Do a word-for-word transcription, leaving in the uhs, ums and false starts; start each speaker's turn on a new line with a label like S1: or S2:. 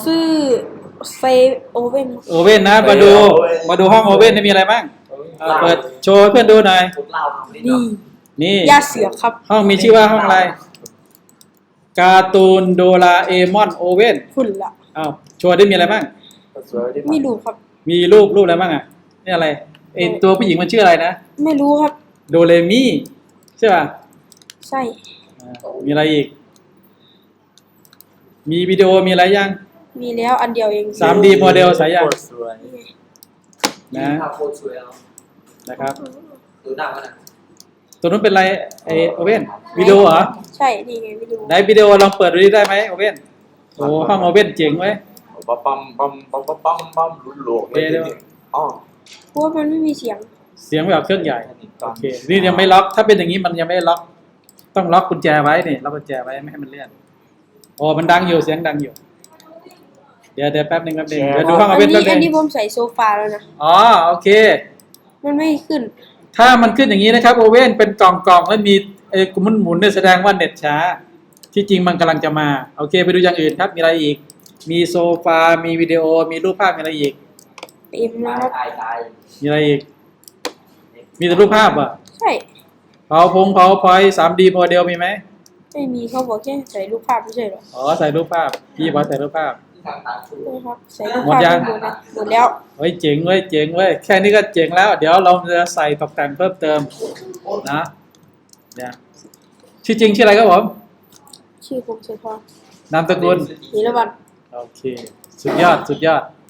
S1: ชื่อเซโอเว่น
S2: โอเว่นนะมาดูมาดูห้องโอเว่นมีอะไรบ้างเอาเปิดโชว์ให้เพื่อนดูหน่อย
S1: นี่
S2: นี่
S1: ยาเสือครับ
S2: ห้องมีชื่อว่าห้องอะไรการ์ตูนโดราเอมอนโอเว่น
S1: หุ่นละ
S2: อ้าวโชว์ได้มีอะไรบ้าง
S1: ไม่รู้ครับ
S2: มีรูปรูปอะไรบ้างอ่ะนี่อะไรไอตัวผู้หญิงมันชื่ออะไรนะ
S1: ไม่รู้ครับ
S2: โดเรมิใช่ป่ะ
S1: ใช่
S2: อ่ามีอะไรอีก มีวิดีโอมีอะไรยัง
S1: มีแล้วอันเดียวเอง
S2: สามดี โมเดลสายยัง
S3: สวย
S2: นะ
S3: ภาพโคตรสวยแล้ว
S2: นะครับ
S3: ดูหน้ามันอ่ะ
S2: ตัวนู้นเป็นอะไรไอโอเว่นวิดีโอเหรอ
S1: ใช่นี่ไงวิดีโอ
S2: ไหนวิดีโอลองเปิดดูได้ไหมโอเว่นโอ้ห้องโอเว่นเจ๋งไว้ย
S3: ปั๊มปั๊มปั๊มปั๊มปั๊มปั๊มปั๊มลุ้นโลกเลยจริงๆอ๋อ
S1: เพราะว่ามันไม่มีเสียง
S2: เสียงแบบเครื่องใหญ่โอเคนี่ยังไม่ล็อกถ้าเป็นอย่างนี้มันยังไม่ล็อกต้องล็อกกุญแจไว้นี่ล็อกกุญแจไว้ไม่ให้มันเลื่อนโอ้มันดังอยู่เสียงดังอยู่เดี๋ยวเดี๋ยวแป๊บนึงแป๊บนึงเดี๋ยวดูห้อง
S1: อั
S2: โอน เว่น
S1: นี้
S2: แป๊บ
S1: อัน
S2: นึ
S1: นี้
S2: ง
S1: ผมใส่โซฟาแล้วนะ
S2: อ๋อโอเค
S1: มันไม่ขึ้น
S2: ถ้ามันขึ้นอย่างนี้นะครับโอเว่นเป็นกล่องกล่องแล้วมีไอ้หมุนหมุนเนี่ยแสดงว่าเน็ตช้า ที่จริงมันกำลังจะมาโอเคไปดูอย่างอื่นครับมีอะไรอีก มีโซฟา มีวิดีโอมีรูปภาพมีอะไรอีก
S1: เต็มนะครับ
S3: ตายตาย
S2: มีอะไรอีก มีแต่รูปภาพอ่ะ
S1: ใช่
S2: เผาพงเผาพอยสามดีโมเดลมีไหม
S1: ไม่มีเขาบอกแค่ใส่รูปภาพไม่ใช่หรอ
S2: อ๋อใส่รูปภาพพี่บอกใส่รูปภาพ
S3: ทางตาชู
S1: ใช่ครับใส่รูป
S2: หมด
S1: ภาพ
S2: ยัง
S1: หมดนะหมดแล้ว
S2: เฮ้ยเจ๋งเว้ยเจ๋งเว้ยแค่นี้ก็เจ๋งแล้ว เดี๋ยวเราจะใส่ตกแต่งเพิ่มเติมนะเนี่ยชื่อจริงชื่ออะไรครับผม
S1: ชื่อผมเฉพาะ
S2: นามสกุล
S1: นิรวัน
S2: โอเค สุดยอดสุดยอด